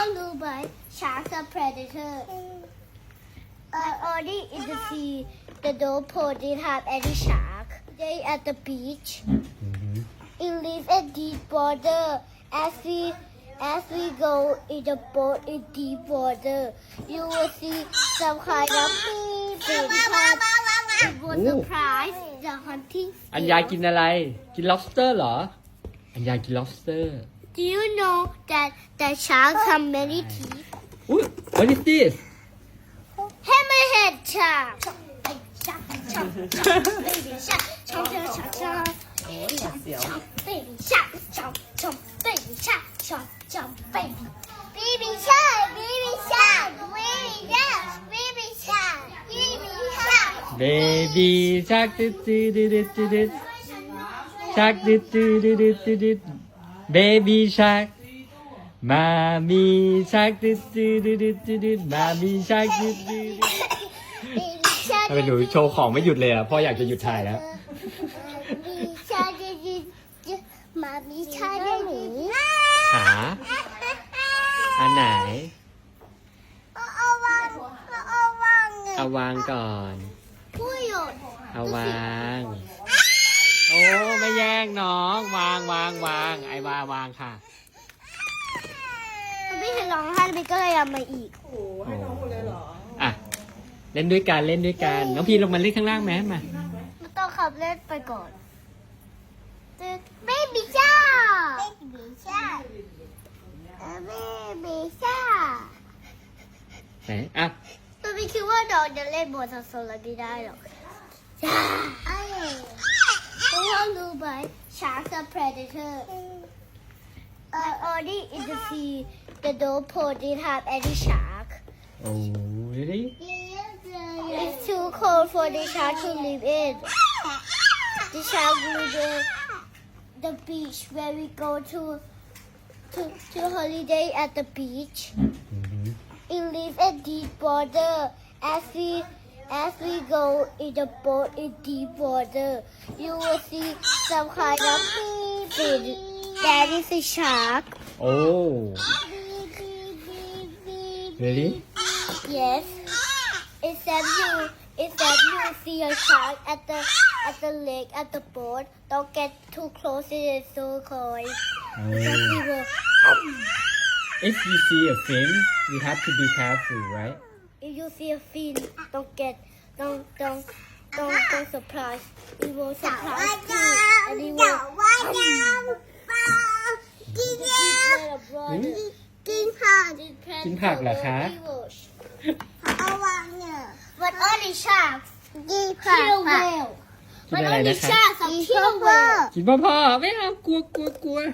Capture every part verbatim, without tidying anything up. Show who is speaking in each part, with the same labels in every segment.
Speaker 1: swallowed by sharks or predators. Uh, only in the sea, the North Pole didn't have any shark. They at the beach. It lives in deep water. As we as we go in the boat in deep water, you will see some kind of fish. It was surprise the hunting.
Speaker 2: อัญญากินอะไร กิน lobster เหรอ อัญญากิน lobster
Speaker 1: Do you know that the sharks have many teeth?
Speaker 2: อุ้ย what is this
Speaker 1: Hammerhead shark. Chomp, chomp, chomp, baby shark. Chomp, chomp, chomp, chomp. Chomp, baby shark. Chomp, chomp, baby shark. Chomp, chomp, baby. Baby shark, baby shark, baby shark, baby shark, baby shark.
Speaker 2: baby shark ดิดดิดดิดดิดดิด shark ดิดดิดดิดดิดดิด baby shark mommy shark ดิดดิดดิดดิดดิด mommy shark ดิดดิด
Speaker 1: Baby shark.
Speaker 2: ทำไมหนูโชว์ของไม่หยุดเลยอ่ะพ่ออยากจะหยุดถ่ายแล้ว
Speaker 1: Baby shark, baby shark, mommy shark, baby.
Speaker 2: หา อันไหน
Speaker 1: เอาวางเอาวาง
Speaker 2: เอาวางก่อน
Speaker 1: ผู้หยุด
Speaker 2: เอาวาง โอ้ไม่แย่งน้อง วางวางวางไอวาวางค่ะ
Speaker 1: ไม่เห็นร้องไห้ไปก็เลยเอามาอีก
Speaker 3: โอ้โหให้น้องหมดเลยเหรอ
Speaker 2: อ่ะ เล่นด้วยกันเล่นด้วยกัน น้องพีลงมาเล่นข้างล่างไหมมา
Speaker 1: มันต้องขับเล่นไปก่อนเบบี้ชาเบบี้ชาเบบี้ชา
Speaker 2: ไหนอ่ะ
Speaker 1: ตัวพี่คิดว่าน้องจะเล่นบนโซลาไม่ได้หรอกจ้าเพราะว่ารู้ไหม sharks are predator uh, only in the sea the North Pole didn't have any shark
Speaker 2: โอ้ really
Speaker 1: It's too cold for the shark to live in. The shark live in the beach where we go to to to holiday at the beach. It lives in deep water. As we as we go in the boat in deep water, you will see some kind of fish. That is a shark.
Speaker 2: โอ้ really
Speaker 1: Yes. Except you, except you see a shark at the at the lake at the boat. Don't get too close; it is so cold.
Speaker 2: โอ้
Speaker 1: Because we will,
Speaker 2: if you see a fin you have to be careful right
Speaker 1: if you see a fin, don't get, don't don't don't don't surprise. It will surprise you, and it will.
Speaker 2: Hmm?
Speaker 1: กินผัก
Speaker 2: กินผักเหรอคะ
Speaker 1: เอาวางเนี่ย But only sharks กินผัก kill whale
Speaker 2: กินอะไร
Speaker 1: But
Speaker 2: นะ
Speaker 1: only
Speaker 2: คะ
Speaker 1: sharks are kill whale
Speaker 2: กินพ่อพ่อไม่เอากลัวกลัวกลัว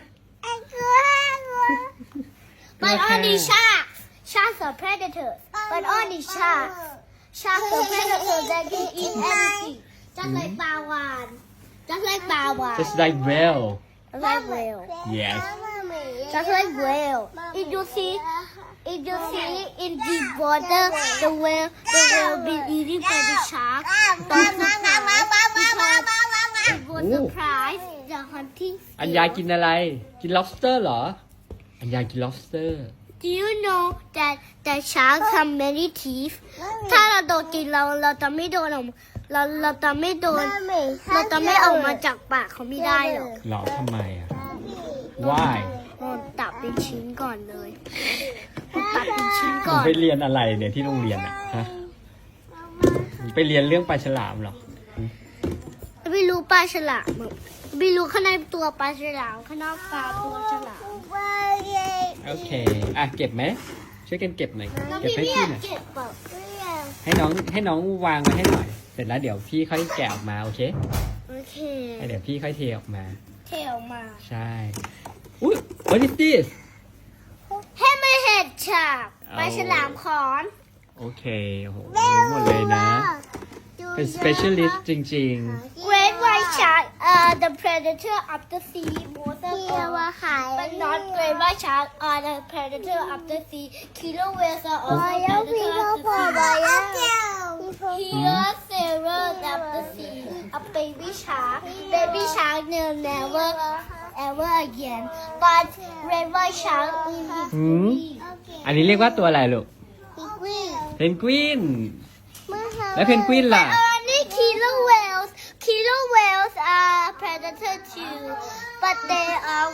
Speaker 1: But only sharks sharks are predators But only sharks sharks are predators that can eat anything just like ปลาวาฬ just like ปลาวาฬ
Speaker 2: just like whale
Speaker 1: just like whale
Speaker 2: yes
Speaker 1: just like whale if you see if you see in deep water the whale the whale been eating by the shark don't surprise because it was surprise the hunting
Speaker 2: อัญญากินอะไร กิน lobster เหรอ อัญญากิน lobster
Speaker 1: Do you know that the sharks have many teeth ถ้าเราโดนกินเราเราจะไม่โดนออกเราเราจะไม่โดนเราจะไม่ออกมาจากปากเขาไม่ได้หรอก
Speaker 2: หรอทำไมอ่ะ why
Speaker 1: โดนตัดเป็นชิ้นก่อนเลยตัดเป็นชิ้น
Speaker 2: หนู
Speaker 1: ก่อน
Speaker 2: ไปเรียนอะไรเนี่ยที่โรงเรียนอ่ะฮะหนูไปเรียนเรื่องปลาฉลามเหรอ
Speaker 1: ไม่รู้ปลาฉลามอะไม่รู้ข้างในตัวปลาฉลามข้างนอกปลาตัวฉลาม
Speaker 2: โอเค อ่ะเก็บไหม ช่วยกันเก็บหน่อย
Speaker 1: แล้ว
Speaker 2: เก็บ
Speaker 1: พี่
Speaker 2: ให้
Speaker 1: ไม่
Speaker 2: พี่
Speaker 1: อยา
Speaker 2: หน่
Speaker 1: ก
Speaker 2: อย
Speaker 1: เก็บแบบ
Speaker 2: ให้น้องให้น้องวางไว้ให้หน่อย เสร็จแล้วเดี๋ยวพี่ค่อยแกะออกมาโอเค
Speaker 1: โอเค
Speaker 2: แล้วเดี๋ยวพี่ค่อยเทออกมา
Speaker 1: เทออกมา
Speaker 2: ใช่ อุ้ย what is this
Speaker 1: Hammerhead shark ปลาฉลามขอน
Speaker 2: โอเค โอ้โหรู้หมดเลยนะ เป็น specialist จริง
Speaker 1: Great white shark are the predator of the sea water but not great white shark are the predator of the sea killer whales are also predator of the sea Here sailors of the sea a baby shark baby shark will never ever again but great white shark will
Speaker 2: ๆ หืม
Speaker 1: live
Speaker 2: อัอันนี้เรียกว่าตัวอะไรลูก
Speaker 1: เพนกวิน
Speaker 2: เพนกวิน แล้วเพนกวินล่ะ
Speaker 1: เออนี่ killer whales killer whales are predator too but they are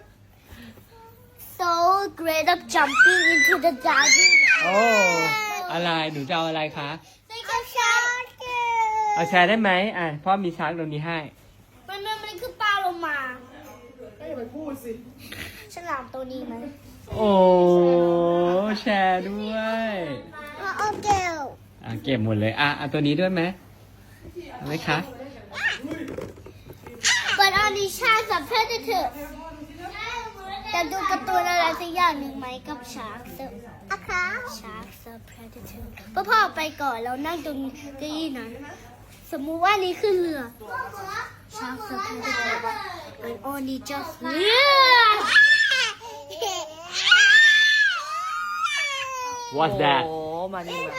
Speaker 1: so great at jumping into the diving
Speaker 2: โอ้ อะไร หนูจะเอาอะไรคะ
Speaker 1: Like a shark
Speaker 2: เอาแชร์ได้ไหมอ่ะพ่อมีชาร์กตรงนี้ให้
Speaker 1: มันมันมันคือปลาโลมา
Speaker 3: ไม่อย่าไปพูดสิ
Speaker 1: ฉลามตัวนี้ไหม
Speaker 2: โอ้ แชร์ด้วย
Speaker 1: โอเค
Speaker 2: อ่ะเก็บหมดเลย อ่ะเอาตัวนี้ด้วยไหมเอาไหมคะ
Speaker 1: But only sharks are predator จะดูการ์ตูนอะไรสักอย่างหนึ่งไหมกับ sharks อะคะ sharks are predator พ่อพ่อไปก่อนแล้วนั่งตรงเก้าอี้นั้น สมมุติว่านี่คือเรือ sharks are predator and only just เรือ
Speaker 2: What's that
Speaker 3: โอ้มานี่มา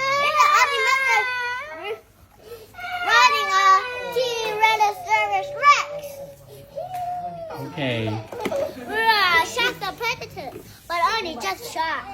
Speaker 1: Running a Tyrannosaurus Rex
Speaker 2: โอเค
Speaker 1: Sharks are predator but only just sharks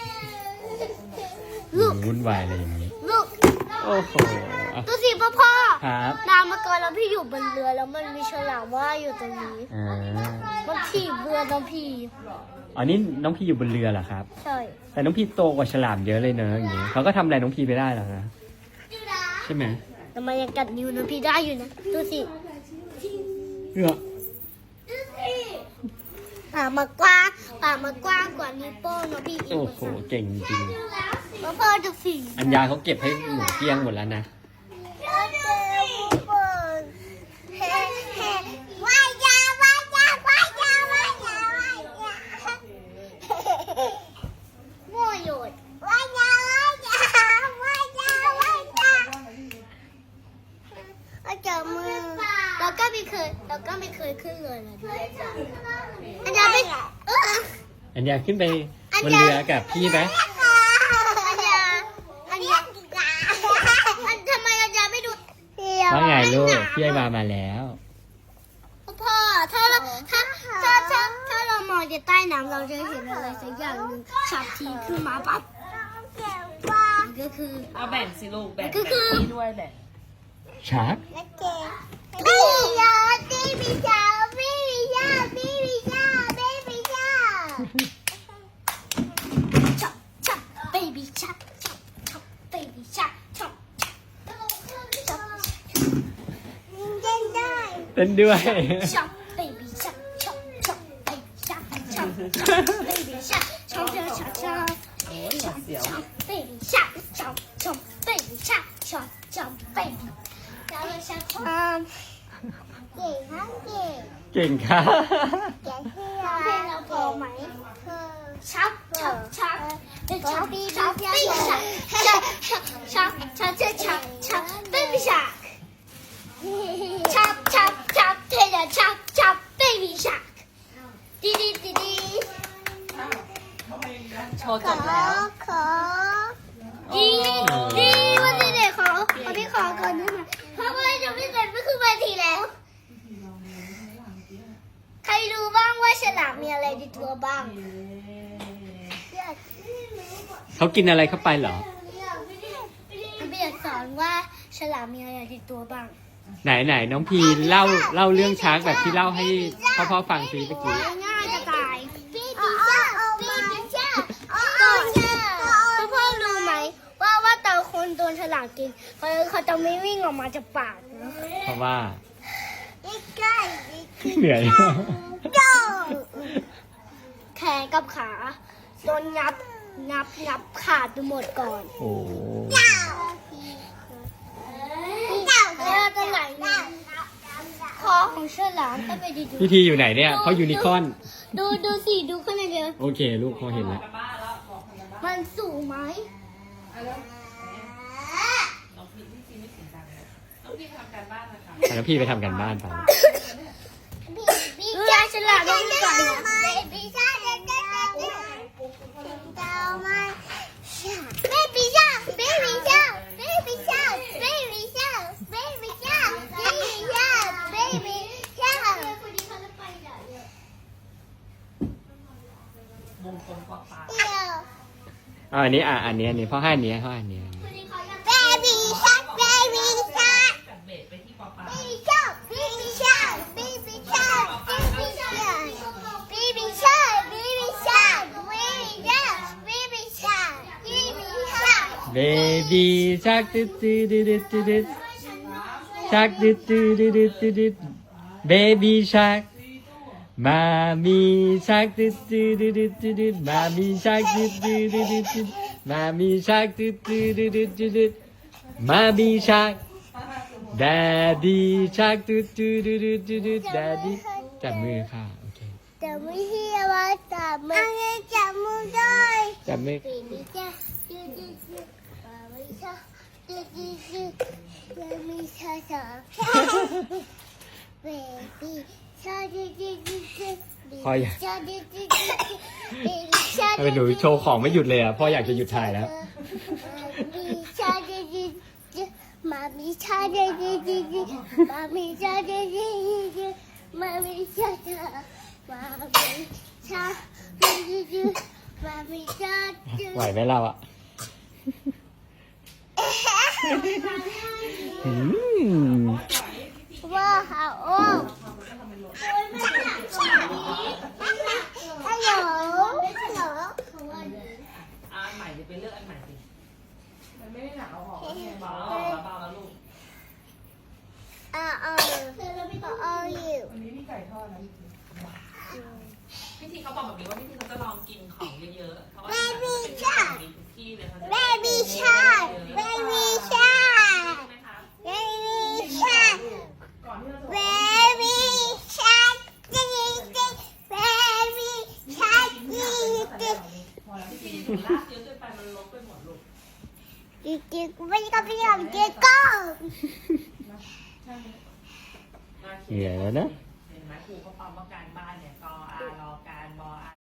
Speaker 2: หนูวุ่นวายอะไรอย่างนี้
Speaker 1: Look
Speaker 2: โอ้โหอ่ะ
Speaker 1: ดูสิพ่อพ่อ
Speaker 2: ครับ
Speaker 1: น้ำมาก่อนแล้วพี่อยู่บนเรือแล้วมันมีฉลามว่ายอยู่ตรงนี้
Speaker 2: อ่า
Speaker 1: มันถีบเรือน้องพี่
Speaker 2: อ๋อนี่น้องพี่อยู่บนเรือเหรอครับ
Speaker 1: ใช่
Speaker 2: แต่น้องพี่โตกว่าฉลามเยอะเลยเนอะอย่างนี้เขาก็ทำอะไรน้องพี่ไปได้หรอนะใช่ไหม
Speaker 1: แต่มันยังกัดนิ้วน้องพี่ได้อยู่นะดูสิ
Speaker 2: เออ
Speaker 1: ปากมากว้างปากมากว้างกว่านิ้วโป้งน้องพี่อีก
Speaker 2: โอ้โหเก่งจริง
Speaker 1: พ่อพ่อดูสิ
Speaker 2: อัญญาเขาเก็บให้หนูเกลี้ยงหมดแล้วนะ
Speaker 1: ว่ายยาว่ายยาว่ายยาว่ายยาว่ายยามั่วหยุดว่ายยาว่ายยาว่ายยาว่ายยาเอาจับมือเราก็ไม่เคยเราก็ไม่เคยขึ้นเลยนะอันยาไม่เออ
Speaker 2: อัญญาขึ้นไปบนเรือกับพี่ไหม
Speaker 1: อันยาอันยาอันทำไมอันยาไม่ดู
Speaker 2: ว่าไงลูกพี่ไอวามาแล้ว
Speaker 1: พ่อถ้าเราถ้าถ้าถ้าถ้าเรามองจากใต้น้ำเราจะเห็นอะไรสักอย่างหนึ่งฉับทีขึ้นมาปั๊บก็คือ
Speaker 3: เอาแบ่งสิลูกแบ่ง
Speaker 1: ก็คือ
Speaker 3: แบ่งพี่ด้วยแบ่ง
Speaker 2: ชาร์ก
Speaker 1: ไม่ยอมไม่มีชาไม่มีชาไม่มีชาไม่มีชาชับชับ baby shark ชับชับ baby shark ชับชับเล่นได้
Speaker 2: เต้นด้วย
Speaker 1: Chop, baby, chop, chop, chop, baby, chop, chop, chop, baby, chop, chop, chop, chop, chop,
Speaker 3: โอ้ยหวาดเสียว
Speaker 1: chop, baby, chop, chop, chop, baby, chop, chop, chop, baby. แล้วเราชักความเก่งมากเก่ง
Speaker 2: เก่งค่ะ
Speaker 1: เก่งที่เราเพลงเราพอไหมชับชับชับชับปีชับปีชับชับชับชับชับชับชับ baby shark chop chop chop tater chop chop baby shark ดีดีดีดี
Speaker 3: โชว์จบแล้ว
Speaker 1: ขอดีดีวันนี้เด็กขอขอพี่ขอก่อนได้ไหมเพราะว่าจะไม่เสร็จไม่คือวันทีแล้ว ใครรู้บ้างว่าฉลามมีอะไรในตัวบ้าง
Speaker 2: เขากินอะไรเข้าไปเหรอ
Speaker 1: พี่อยากสอนว่าฉลามมีอะไรในตัวบ้าง
Speaker 2: ไหนไหนน้องพีเล่าเล่าเรื่องชาร์กแบบที่เล่าให้พ่อพ่อฟังซิเมื่อกี้
Speaker 1: ง่ายจะตายพี่ดิช่าพี่ดิช่าก่อนพ่อพ่อรู้ไหมว่าว่าตอนคนโดนฉลามกินเขาเขาจะไม่วิ่งออกมาจากปากนะ
Speaker 2: เพราะว่า
Speaker 1: ใกล้
Speaker 2: เหนื่อย
Speaker 1: แขนกับขาโดนงับงับงับขาดไปหมดก่อน
Speaker 2: โอ้
Speaker 1: แล้วก็ไหลคอของฉลามก็ไปดู
Speaker 2: พี่ทีอยู่ไหนเนี่ยเขายูนิคอร์น
Speaker 1: ดูดูสิดูข้างในเดียว
Speaker 2: โอเคลูกเขาเห็นแล้ว
Speaker 1: มันสูงไหม
Speaker 3: น้องพี่พี่ซีไม่เสียงดังเลยน้องพี่ทำการบ้านนะคะ
Speaker 2: แล้วพี่ไปทำกันบ้านไป
Speaker 1: พี่ชาฉลาดต้องก่อนนะพี่ชาเด็กเด็กเด็กเจ้ามาเบบี้ชาเบบี้ชาเบบี้ชาเบบี้ชาเบบี้ชาเบบี้ชาเบบี้ชา
Speaker 3: มงคลกว่าปลา
Speaker 1: เดียว
Speaker 2: อ่าอันนี้อ่ะอันนี้อันนี้พ่อให้อันนี้พ่อให้อันนี้อันนี้
Speaker 1: baby shark baby shark
Speaker 3: จากเบสไปที่ปอปลา
Speaker 1: baby shark baby shark baby shark baby shark baby shark baby shark baby shark baby shark
Speaker 2: baby shark ตึ๊ดตึ๊ดตึ๊ดตึ๊ดตึ๊ด shark ตึ๊ดตึ๊ดตึ๊ดตึ๊ดตึ๊ด baby shark mommy shark ตึ๊ดตึ๊ดตึ๊ดตึ๊ดตึ๊ด mommy shark ตึ๊ดตึ๊ดตึ๊ดตึ๊ด mommy shark ตึ๊ดตึ๊ดตึ๊ดตึ๊ดตึ๊ด mommy shark daddy shark ตึ๊ดตึ๊ดตึ๊ดตึ๊ดตึ๊ด daddy จับมือค่ะโอเค
Speaker 1: จับมือที่ว่าจับมือจับมือด้วย
Speaker 2: จับมือ
Speaker 1: baby shark ดูดูดู baby shark ดูดูดู baby shark baby shark ดูดูดูดู
Speaker 2: พ่ออยาก
Speaker 1: shark ดูดูดูดู baby shark
Speaker 2: ทำไมหนูโชว์ของไม่หยุดเลยอ่ะพ่ออยากจะหยุดถ่ายแล้ว
Speaker 1: baby shark ดูดูดู mommy shark ดูดูดูดู mommy shark ดูดูดูดู mommy shark mommy shark ดูดูดู mommy shark ดู
Speaker 2: ไหวไหมเราอ่ะอืม
Speaker 1: ว้าวโอ้ฮัลโหลฮัลโหล
Speaker 3: อ่าอันใหม่จะไปเลือกอันใหม่สิมันไม่ได้หนาวหรอกเบาเบาแล้วลูก
Speaker 1: อ่าอ่าอ่าอยู่
Speaker 3: วันนี้มีไก่ทอดนะพี่ทีเขาบอกแบบนี้ว่าพี่ทีเขาจะลองกินของเยอะๆเพราะว่ามีทุกที่เลยเขาจะ
Speaker 1: baby shark baby shark
Speaker 3: ใช่ไหมคะ
Speaker 1: baby shark
Speaker 3: ก่อนที่เราจะ
Speaker 1: baby shark จิ๊กจิ๊ก baby shark จิ๊กจิ๊ก
Speaker 3: พอแล้วพี่ทีลากเยอะเกินไปมันลบไปหมดลูก
Speaker 1: จิ๊กจิ๊กไม่ก็ไม่ยอมจิ๊กก็
Speaker 2: เหนื่อยแล้วนะ
Speaker 3: เห็นไหมครูเขาปั๊มว่าการบ้านเนี่ยกออารอการบออา